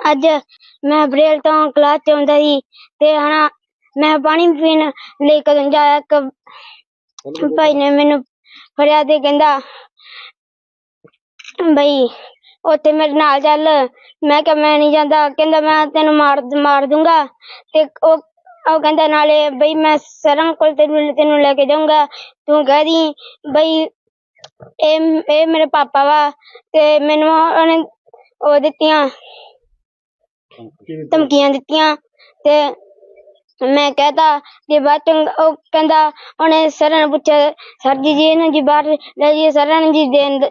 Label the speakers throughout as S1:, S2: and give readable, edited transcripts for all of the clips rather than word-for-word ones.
S1: ਅੱਜ ਮੈਂ ਬਰੇਲ ਤੋਂ ਕਲਾਸ 'ਚ ਆਉਂਦਾ ਸੀ ਤੇ ਮੈਂ ਪਾਣੀ ਪੀਣ ਲਈ ਕਦੋਂ ਜਾਇਆ, ਇੱਕ ਭਾਈ ਨੇ ਮੈਨੂੰ ਫੜਿਆ ਤੇ ਕਹਿੰਦਾ ਬਈ ਉੱਥੇ ਮੇਰੇ ਨਾਲ ਚੱਲ। ਮੈਂ ਕਿਹਾ ਮੈਂ ਨਹੀਂ ਜਾਂਦਾ। ਕਹਿੰਦਾ ਮੈਂ ਤੈਨੂੰ ਮਾਰ ਦੂੰਗਾ। ਤੇ ਉਹ ਕਹਿੰਦਾ ਨਾਲੇ ਬਈ ਮੈਂ ਸਰਾਂ ਕੋਲ ਤੈਨੂੰ ਲੈ ਕੇ ਜਾਊਂਗਾ, ਤੂੰ ਕਹਿ ਦੀ ਬਈ ਇਹ ਮੇਰੇ ਪਾਪਾ ਵਾ। ਤੇ ਮੈਨੂੰ ਉਹਨੇ ਉਹ ਦਿੱਤੀਆਂ ਧਮਕੀਆਂ ਦਿੱਤੀਆਂ ਤੇ ਮੈਂ ਕਹਿਤਾ। ਤੇ ਬਾਅਦ ਚ ਉਹ ਕਹਿੰਦਾ, ਉਹਨੇ ਸਰਾਂ ਨੂੰ ਪੁੱਛਿਆ, ਸਰ ਜੀ ਇਹਨੂੰ ਜੀ ਬਾਹਰ ਲੈ ਜਾਈਏ। ਸਰਾਂ ਨੇ ਜੀ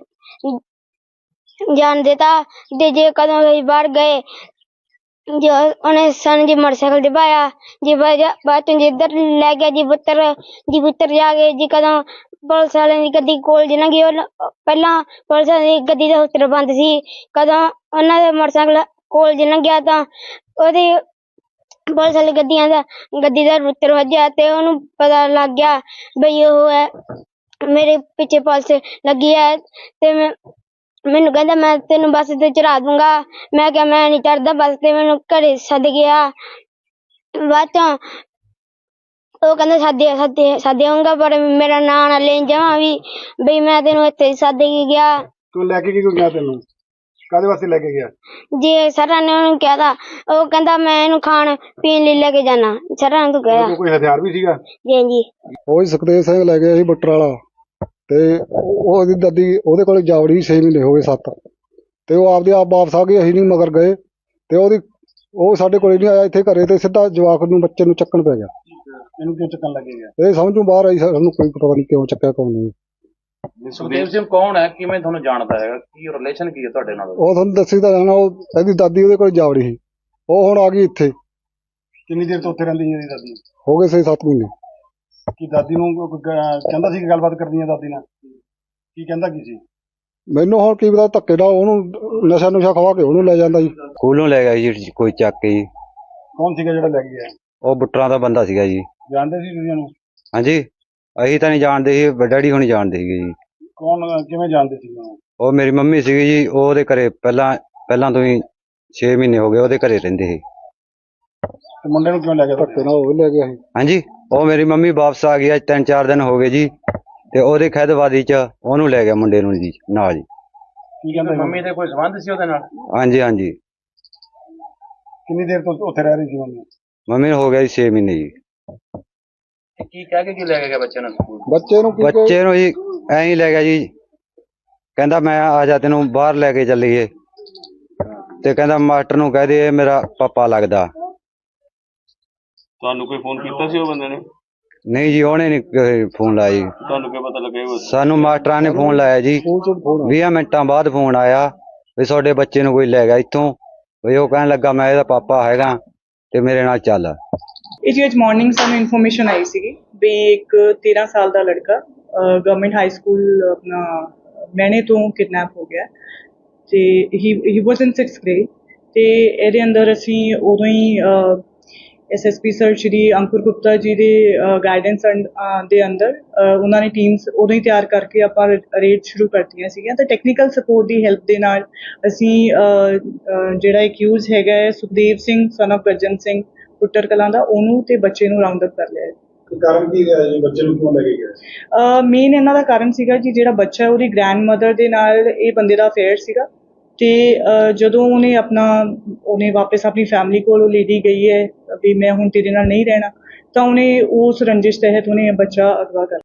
S1: ਜਾਣ ਦਿੱਤਾ। ਤੇ ਜੇ ਕਦੋਂ ਅਸੀਂ ਬਾਹਰ ਗਏ, ਜੋ ਉਹਨੇ ਸਾਨੂੰ ਜੀ मोटरसाइकिल ਦਿਵਾਇਆ ਜੀ। ਬਾਅਦ ਚ ਇੱਧਰ ਲੈ ਗਿਆ ਜੀ ਪੁੱਤਰ ਜਾ ਕੇ ਜੀ। ਕਦੋਂ ਪੁਲਿਸ ਵਾਲਿਆਂ ਦੀ ਗੱਡੀ ਕੋਲ ਜੀ ਲੰਘੀ, ਪਹਿਲਾਂ ਪੁਲਿਸ ਵਾਲਿਆਂ ਦੀ ਗੱਡੀ ਦਾ ਹੁੱਤਰ ਬੰਦ ਸੀ। ਕਦੋਂ ਉਹਨਾਂ ਦੇ मोटरसाइकिल ਕੋਲ ਜੀ ਲੰਘਿਆ ਤਾਂ ਉਹਦੀ ਪੁਲਿਸ ਵਾਲੀ ਗੱਡੀ ਦਾ ਹੁੱਤਰ ਵੱਜਿਆ ਤੇ ਉਹਨੂੰ ਪਤਾ ਲੱਗ ਗਿਆ ਬਈ ਉਹ ਹੈ ਮੇਰੇ ਪਿੱਛੇ ਪੁਲਿਸ ਲੱਗੀ ਹੈ। ਤੇ ਮੈਨੂੰ ਕਹਿੰਦਾ ਮੈਂ ਤੈਨੂੰ ਬੱਸ ਤੇ ਚੜਾ ਦੂੰਗਾ। ਮੈਂ ਕਿਹਾ ਮੈਂ ਨਹੀਂ ਚੜਦਾ ਬੱਸ ਤੇ। ਮੈਨੂੰ ਘਰੇ ਸੱਦ ਗਿਆ। ਬਾਅਦ ਚੋਂ ਉਹ ਕਹਿੰਦਾ ਸੱਦ ਆਊਂਗਾ, ਪਰ ਮੇਰਾ ਨਾਂ ਨਾ ਲੈਣ ਜਾਵਾਂ ਵੀ ਬਈ ਮੈਂ ਤੈਨੂੰ ਇੱਥੇ ਸੱਦ ਕੇ ਗਿਆ।
S2: ਤੂੰ ਲੈ ਕੇ ਕਿਉਂ ਗਿਆ? ਤੈਨੂੰ ਕਾਹਦੇ ਵਾਸਤੇ ਲੈ ਕੇ ਗਿਆ?
S1: ਜੀ ਸਰਾਂ ਨੇ ਉਹਨੂੰ ਕਿਹਾ ਤਾਂ ਉਹ ਕਹਿੰਦਾ ਮੈਂ ਇਹਨੂੰ ਖਾਣ ਪੀਣ ਲਈ ਲੈ ਕੇ ਜਾਣਾ। ਸਰਾਂ ਨੇ ਕਿਹਾ।
S2: ਕੋਈ ਹਥਿਆਰ ਵੀ ਸੀਗਾ?
S1: ਜੀ ਜੀ।
S3: ਉਹ ਸੁਖਦੇਵ ਸਿੰਘ ਲੈ ਗਿਆ ਸੀ ਬੱਟਰ ਵਾਲਾ। ਤੇ ਉਹਦੀ ਦਾਦੀ ਉਹਦੇ ਕੋਲ ਜਾਵੜੀ 6 ਮਹੀਨੇ ਹੋ ਗਏ 7। ਤੇ ਉਹ ਆਪਦੇ ਆਪ ਵਾਪਸ ਆ ਗਈ, ਅਸੀਂ ਨਹੀਂ ਮਗਰ ਗਏ। ਤੇ ਉਹ ਸਾਡੇ ਕੋਲ ਨਹੀਂ ਆਇਆ ਇੱਥੇ ਘਰੇ। ਤੇ ਸਿੱਧਾ ਜਵਾਕ ਨੂੰ ਬੱਚੇ ਨੂੰ ਚੱਕਣ ਪੈ ਗਿਆ।
S2: ਇਹਨੂੰ ਕਿਉਂ ਚੱਕਣ ਲੱਗੇ ਗਿਆ?
S3: ਇਹ ਸਮਝੋਂ ਬਾਹਰ ਆਈ, ਸਾਨੂੰ ਕੋਈ ਪਤਾ ਨਹੀਂ ਕਿਉਂ ਚੱਕਿਆ ਕੌਣ ਨਹੀਂ।
S4: ਸੁਖਦੇਵ ਸਿੰਘ ਕੌਣ ਹੈ, ਕਿਵੇਂ ਤੁਹਾਨੂੰ ਜਾਣਦਾ ਹੈਗਾ, ਕੀ ਰਿਲੇਸ਼ਨ ਕੀ ਹੈ ਤੁਹਾਡੇ ਨਾਲ?
S3: ਉਹ ਤੁਹਾਨੂੰ ਦੱਸੀ ਤਾਂ ਜਾਣਾ। ਉਹ ਇਹਦੀ ਦਾਦੀ ਉਹਦੇ ਕੋਲ ਜਾਵੜੀ ਸੀ। ਉਹ ਹੁਣ ਆ ਗਈ ਇੱਥੇ।
S2: ਕਿੰਨੀ ਦੇਰ ਤੋਂ ਉੱਥੇ ਰਹਿੰਦੀ ਸੀ ਇਹਦੀ ਦਾਦੀ?
S3: ਹੋ ਗਏ 6-7 ਮਹੀਨੇ।
S2: ਕੀ ਦਾਦੀ ਨੂੰ ਕਹਿੰਦਾ ਸੀ ਕਿ ਗੱਲਬਾਤ ਕਰਨੀ ਹੈ ਦਾਦੀ ਨਾਲ? ਕੀ ਕਹਿੰਦਾ ਕੀ ਸੀ?
S3: ਮੈਨੂੰ ਹੁਣ ਕੀ ਪਤਾ, ਧੱਕੇ ਨਾਲ ਉਹਨੂੰ ਨਸ਼ਾ ਖਵਾ ਕੇ ਉਹਨੂੰ ਲੈ ਜਾਂਦਾ ਜੀ।
S5: ਸਕੂਲੋਂ ਲੈ ਗਿਆ ਜੀ ਕੋਈ ਚੱਕ ਕੇ ਜੀ।
S2: ਕੌਣ ਸੀਗਾ ਜਿਹੜਾ ਲੈ ਗਿਆ?
S5: ਉਹ ਬੁੱਟਰਾਂ ਦਾ ਬੰਦਾ ਸੀਗਾ ਜੀ।
S2: ਜਾਣਦੇ ਸੀ ਤੁਸੀਂ ਉਹਨੂੰ?
S5: ਹਾਂਜੀ, ਅਸੀਂ ਤਾਂ ਨਹੀਂ ਜਾਣਦੇ ਸੀ, ਡੈਡੀ ਹੁਣੀ ਜਾਣਦੇ ਸੀਗੇ ਜੀ।
S2: ਕੌਣ, ਕਿਵੇਂ ਜਾਣਦੇ ਸੀ ਉਹਨੂੰ?
S5: ਉਹ ਮੇਰੀ ਮੰਮੀ ਸੀਗੀ ਜੀ। ਉਹ ਉਹਦੇ ਘਰੇ ਪਹਿਲਾਂ ਤੋਂ ਹੀ 6 ਮਹੀਨੇ ਹੋ ਗਏ ਉਹਦੇ ਘਰੇ ਰਹਿੰਦੇ ਸੀ।
S2: ਤੇ ਮੁੰਡੇ ਨੂੰ ਕਿਉਂ ਲੈ ਗਿਆ?
S3: ਧੱਕੇ ਨਾਲ ਉਹ ਲੈ ਗਿਆ ਸੀ।
S5: ਹਾਂਜੀ, ਉਹ ਮੇਰੀ ਮੰਮੀ ਵਾਪਸ ਆ ਗਈ ਅੱਜ 3-4 ਦਿਨ ਹੋ ਗਏ ਜੀ। ਤੇ ਉਹਦੇ ਖੈਦਵਾਦੀ ਚ ਉਹਨੂੰ ਲੈ ਗਿਆ ਮੁੰਡੇ ਨੂੰ ਜੀ ਨਾਲ ਜੀ।
S2: ਕੀ ਕਹਿੰਦਾ?
S4: ਮੰਮੀ ਦੇ ਕੋਈ ਸੰਬੰਧ ਸੀ ਉਹਦੇ ਨਾਲ?
S5: ਹਾਂਜੀ ਹਾਂਜੀ।
S2: ਕਿੰਨੀ ਦੇਰ ਤੋਂ ਉੱਥੇ ਰਹਿ ਰਹੀ ਸੀ ਮੰਮੀ?
S5: ਮੰਮੀ ਨੂੰ ਹੋ ਗਿਆ ਜੀ 6 ਮਹੀਨੇ ਜੀ।
S4: ਕੀ ਕਹਿ ਕੇ ਕੀ ਲੈ ਕੇ ਗਿਆ ਬੱਚੇ ਨੂੰ ਸਕੂਲ?
S3: ਬੱਚੇ ਨੂੰ
S5: ਜੀ ਐਂ ਹੀ ਲੈ ਗਿਆ ਜੀ। ਕਹਿੰਦਾ ਮੈਂ ਆ ਜਾ, ਤੈਨੂੰ ਬਾਹਰ ਲੈ ਕੇ ਚੱਲੀਏ। ਤੇ ਕਹਿੰਦਾ ਮਾਸਟਰ ਨੂੰ ਕਹਿ ਦੇ ਇਹ ਮੇਰਾ ਪਾਪਾ ਲੱਗਦਾ।
S6: ਤੁਹਾਨੂੰ ਕੋਈ ਫੋਨ ਕੀਤਾ ਸੀ ਉਹ ਬੰਦੇ ਨੇ?
S5: ਨਹੀਂ ਜੀ, ਉਹਨੇ ਨਹੀਂ ਫੋਨ ਲਾਇਆ ਜੀ।
S6: ਤੁਹਾਨੂੰ ਕੀ ਪਤਾ ਲੱਗਿਆ?
S5: ਸਾਨੂੰ ਮਾਸਟਰਾਂ ਨੇ ਫੋਨ ਲਾਇਆ ਜੀ। 20 ਮਿੰਟਾਂ ਬਾਅਦ ਫੋਨ ਆਇਆ ਵੀ ਤੁਹਾਡੇ ਬੱਚੇ ਨੂੰ ਕੋਈ ਲੈ ਗਿਆ ਇੱਥੋਂ। ਵੀ ਉਹ ਕਹਿਣ ਲੱਗਾ ਮੈਂ ਇਹਦਾ ਪਾਪਾ ਹੈਗਾ ਤੇ ਮੇਰੇ ਨਾਲ ਚੱਲ।
S7: ਇਹ ਜੀ ਅੱਜ ਮਾਰਨਿੰਗ ਸਾਨੂੰ ਇਨਫੋਰਮੇਸ਼ਨ ਆਈ ਸੀਗੀ ਵੀ ਇੱਕ 13 ਸਾਲ ਦਾ ਲੜਕਾ ਗਵਰਨਮੈਂਟ ਹਾਈ ਸਕੂਲ ਆਪਣਾ ਮੈਨੇ ਤੋਂ ਕਿਡਨੈਪ ਹੋ ਗਿਆ। ਤੇ ਹੀ ਵਾਸ ਇਨ 6th ਗ੍ਰੇਡ। ਤੇ ਇਹਦੇ ਅੰਦਰ ਅਸੀਂ ਉਦੋਂ ਹੀ SSP ਸਰ ਸ਼੍ਰੀ ਅੰਕੁਰ ਗੁਪਤਾ ਜੀ ਦੇ ਗਾਈਡੈਂਸ ਦੇ ਅੰਦਰ ਉਹਨਾਂ ਨੇ ਟੀਮਸ ਉਦੋਂ ਹੀ ਤਿਆਰ ਕਰਕੇ ਆਪਾਂ ਰੇਡ ਸ਼ੁਰੂ ਕਰਤੀਆਂ ਸੀਗੀਆਂ। ਤਾਂ ਟੈਕਨੀਕਲ ਸਪੋਰਟ ਦੀ ਹੈਲਪ ਦੇ ਨਾਲ ਅਸੀਂ ਜਿਹੜਾ ਅਕਿਊਜ਼ ਹੈਗਾ ਹੈ ਸੁਖਦੇਵ ਸਿੰਘ ਸਨ ਆਫ ਗੱਜਨ ਸਿੰਘ ਪੁੱਟਰ ਕਲਾਂ ਦਾ, ਉਹਨੂੰ ਤੇ ਬੱਚੇ ਨੂੰ ਰਾਉਂਡ ਅਪ ਕਰ ਲਿਆ।
S2: ਕਾਰਨ ਕੀ ਰਿਹਾ ਜੀ? ਬੱਚੇ ਨੂੰ ਕਿਉਂ ਲੈ ਕੇ ਗਿਆ?
S7: ਮੇਨ ਇਹਨਾਂ ਦਾ ਕਾਰਨ ਸੀਗਾ ਜੀ ਜਿਹੜਾ ਬੱਚਾ ਉਹਦੀ ਗ੍ਰੈਂਡ ਮਦਰ ਦੇ ਨਾਲ ਇਹ ਬੰਦੇ ਦਾ ਅਫੇਅਰ ਸੀਗਾ। ਤੇ ਜਦੋਂ ਉਹਨੇ ਵਾਪਸ ਆਪਣੀ ਫੈਮਿਲੀ ਕੋਲ ਉਹ ਲੇਡੀ ਗਈ ਹੈ ਵੀ ਮੈਂ ਹੁਣ ਤੇਰੇ ਨਾਲ ਨਹੀਂ ਰਹਿਣਾ, ਤਾਂ ਉਹਨੇ ਉਸ ਰੰਜਿਸ਼ ਤਹਿਤ ਉਹਨੇ ਬੱਚਾ ਅਗਵਾ ਕਰ